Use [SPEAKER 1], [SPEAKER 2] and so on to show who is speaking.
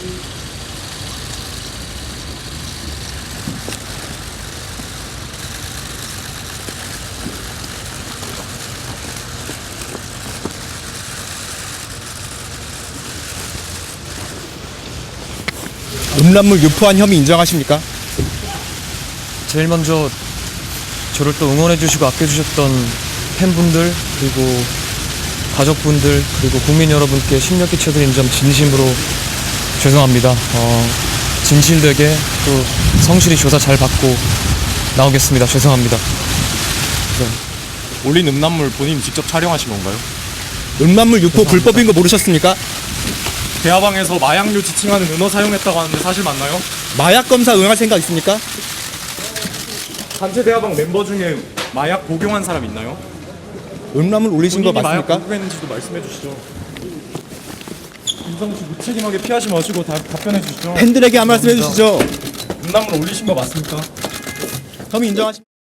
[SPEAKER 1] 음란물 유포한 혐의 인정하십니까?
[SPEAKER 2] 제일 먼저 저를 또 응원해주시고 아껴주셨던 팬분들, 그리고 가족분들, 그리고 국민 여러분께 심려 끼쳐드린 점 진심으로 죄송합니다. 진실되게 또 성실히 조사 잘 받고 나오겠습니다. 죄송합니다.
[SPEAKER 3] 올린 음란물 본인 직접 촬영하신 건가요?
[SPEAKER 1] 음란물 유포 불법인 거 모르셨습니까?
[SPEAKER 3] 대화방에서 마약류 지칭하는 은어 사용했다고 하는데 사실 맞나요?
[SPEAKER 1] 마약 검사 응할 생각 있습니까?
[SPEAKER 3] 단체 대화방 멤버 중에 마약 복용한 사람 있나요?
[SPEAKER 1] 음란물 올리신 거
[SPEAKER 3] 본인이 마약
[SPEAKER 1] 맞습니까?
[SPEAKER 3] 복용했는지도 말씀해 주시죠. 김성우 씨 무책임하게 피하지 마시고 답변해 주시죠.
[SPEAKER 1] 팬들에게 한 말씀 해주시죠.
[SPEAKER 3] 음란물 올리신 거 맞습니까?
[SPEAKER 1] 혐의 인정하십니까?